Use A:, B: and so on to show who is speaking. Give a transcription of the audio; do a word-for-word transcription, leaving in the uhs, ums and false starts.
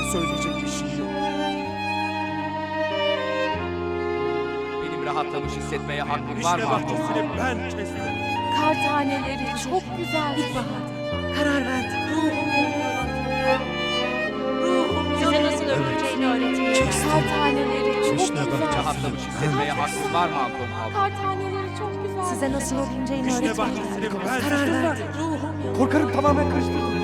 A: söyleyecek bir şey yok.
B: Benim rahatlamış hissetmeye hakkım var
A: Vişne
B: mı?
A: bahçesini ben kestim.
C: Kar taneleri çok güzel.
D: İlkbahar. Karar verdim.
E: Size nasıl öpüleceğini öğretmeyeceğim.
C: Kar taneleri çok
A: Vişne
C: güzel.
A: bahçesi.
B: Rahatlamış hissetmeye hakkım var mı Anton abla?
C: Kar taneleri çok güzel.
D: Size nasıl öpüleceğini
A: Vişne
D: öğretmeyeceğim.
A: bahçesini ben
D: Karar verdim.
A: Korkarım tamamen karıştırdım.